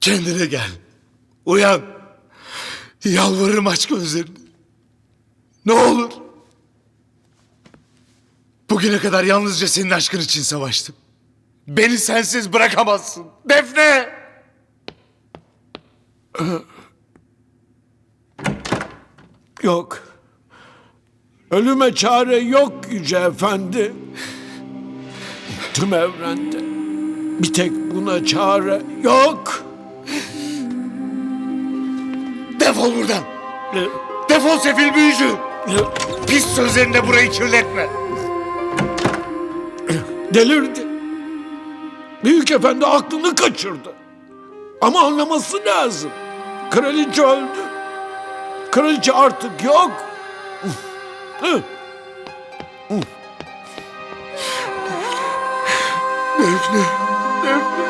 Kendine gel. Uyan. Yalvarırım, aç gözlerini. Ne olur. Bugüne kadar yalnızca senin aşkın için savaştım. Beni sensiz bırakamazsın. Defne! Yok. Ölüme çare yok Yüce Efendi. Tüm evrende bir tek buna çare yok. Defol buradan. Defol sefil büyücü. Pis sözlerinde burayı kirletme. Delirdi. Büyük Efendi aklını kaçırdı. Ama anlaması lazım. Kraliçe öldü. Kraliçe artık yok. Defne. Defne.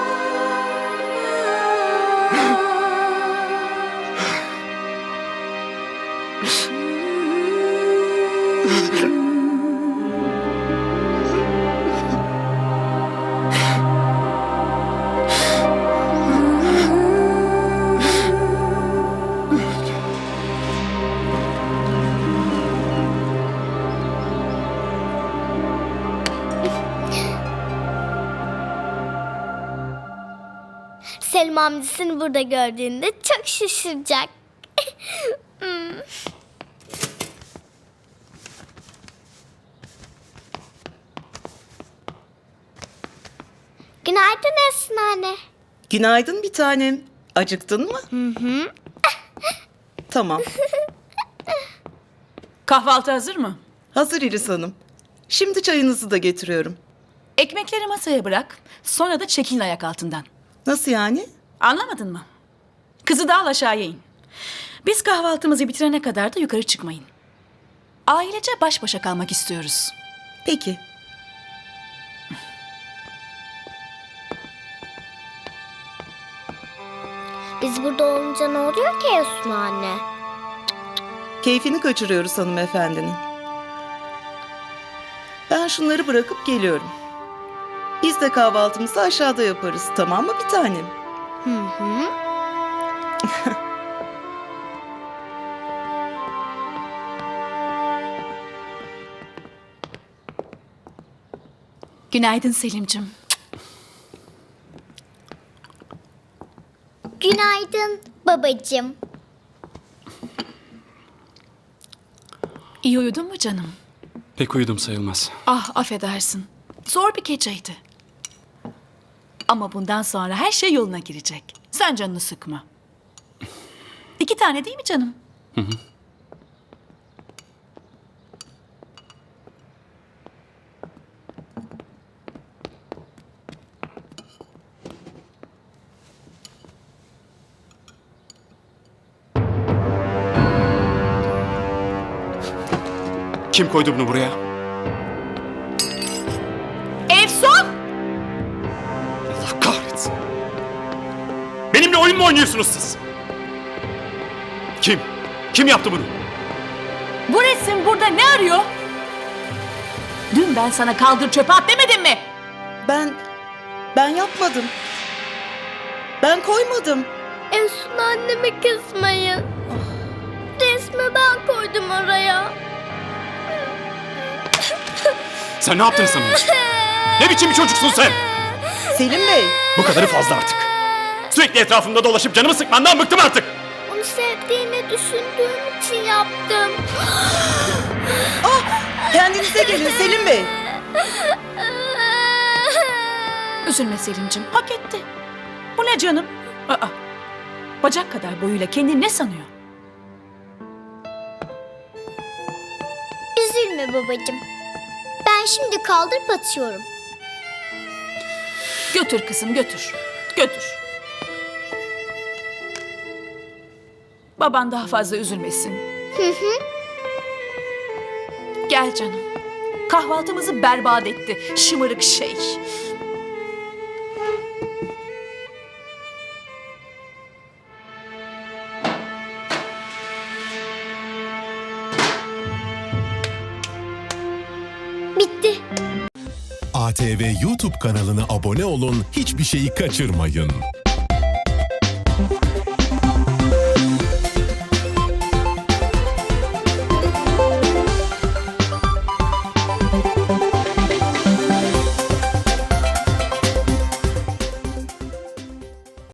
Selim amcasını burada gördüğünde çok şaşıracak. Günaydın Esin anne. Günaydın bir tanem. Acıktın mı? Hı. Tamam. Kahvaltı hazır mı? Hazır İris Hanım. Şimdi çayınızı da getiriyorum. Ekmekleri masaya bırak. Sonra da çekilin ayak altından. Nasıl yani? Anlamadın mı? Kızı da al aşağıya in. Biz kahvaltımızı bitirene kadar da yukarı çıkmayın. Ailece baş başa kalmak istiyoruz. Peki. Biz burada olunca ne oluyor ki Esin anne? Keyfini kaçırıyoruz hanımefendinin. Ben şunları bırakıp geliyorum. Biz de kahvaltımızı aşağıda yaparız. Tamam mı bir tanem? Günaydın Selim'cim. Günaydın babacığım. İyi uyudun mu canım? Pek uyudum sayılmaz. Ah affedersin. Zor bir geceydi. Ama bundan sonra her şey yoluna girecek. Sen canını sıkma. 2 tane değil mi canım? Kim koydu bunu buraya? Efsun! Allah kahretsin. Benimle oyun mu oynuyorsunuz siz? Kim? Kim yaptı bunu? Bu resim burada ne arıyor? Dün ben sana kaldır çöpe at demedim mi? Ben yapmadım. Ben koymadım. Esin anneme kızmayın. Resmi ben koydum oraya. Sen ne yaptığını sanıyorsun? Ne biçim bir çocuksun sen? Selim Bey. Bu kadarı fazla artık. Sürekli etrafımda dolaşıp canımı sıkmandan bıktım artık. Onu sevdiğini düşündüğüm için yaptım. Kendinize gelin Selim Bey. Üzülme Selim'cim, hak etti. Bu ne canım? Aa, bacak kadar boyuyla kendini ne sanıyor? Üzülme babacığım. Ben şimdi kaldırıp atıyorum. Götür kızım, götür. Götür. Baban daha fazla üzülmesin. Gel canım. Kahvaltımızı berbat etti, şımarık şey. Bitti. ATV YouTube kanalına abone olun, hiçbir şeyi kaçırmayın. Defne!